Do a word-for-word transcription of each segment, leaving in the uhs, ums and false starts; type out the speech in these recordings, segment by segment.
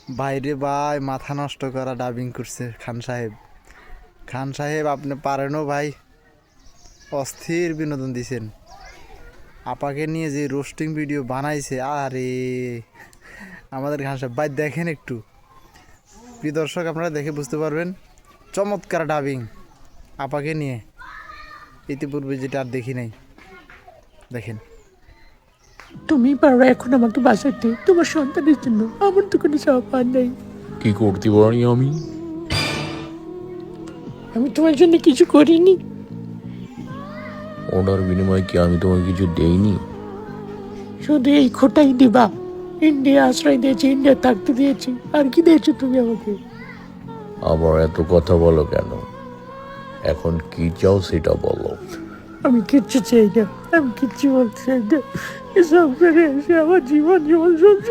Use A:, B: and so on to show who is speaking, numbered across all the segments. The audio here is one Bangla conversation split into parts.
A: বাইরে ভাই মাথা নষ্ট করা ডাবিং করছে খান সাহেব। খান সাহেব আপনি পারেনও ভাই, অস্থির বিনোদন দিছেন। আপাকে নিয়ে যে রোস্টিং ভিডিও বানাইছে, আরে আমাদের খান সাহেব ভাই দেখেন একটু, প্রিয় দর্শক আপনারা দেখে বুঝতে পারবেন চমৎকার ডাবিং আপাকে নিয়ে, ইতিপূর্বে যেটা আর দেখি নাই। দেখেন,
B: তুমি পারো এখন আমাকে বাঁচাতে, তোমার সন্তানের জন্য। আমার তো কোনো সাপার নেই।
C: কি করতে পারি আমি?
B: আমি তোমার জন্য কিছু করিনি।
C: ওটার বিনিময়ে কি আমি তোমাকে কিছু দেইনি?
B: শুধু এই খোটাই দিবা। ইন্ডিয়া আশ্রয় দিয়েছে, ইন্ডিয়া থাকতে দিয়েছি, আর কি দিয়েছো তুমি আমাকে?
C: আবার এত কথা বলো কেন? এখন কি চাও সেটা বলো।
B: আমি কিচ্ছু চাই না, আমি কিচ্ছু বলতে চাই না। এসব করে এসে আমার জীবন জীবন সব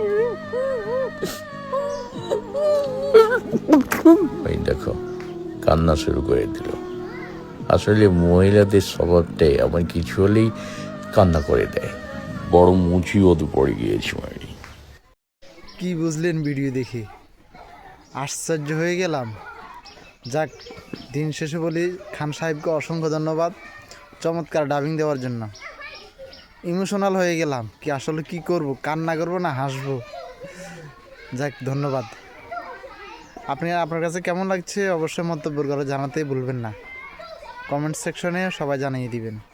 C: এই দেখো, কান্না শুরু করে দিল। আসলে মহিলাদের স্বভাবটাই আমার কিছু হলেই কান্না করে দেয়। বড় মুচিবতে পড়ে গিয়েছি আমি।
A: কি বুঝলেন ভিডিও দেখে? আশ্চর্য হয়ে গেলাম। যাক, দিন শেষে বলি খান সাহেবকে অসংখ্য ধন্যবাদ চমৎকার ডাবিং দেওয়ার জন্য। ইমোশনাল হয়ে গেলাম, কি আসলে কি করব, কান্না করব না হাসবো। যাক, ধন্যবাদ। আপনি আপনার কাছে কেমন লাগছে অবশ্যই মন্তব্য করে জানাতেই ভুলবেন না। কমেন্ট সেকশনে সবাই জানিয়ে দিবেন।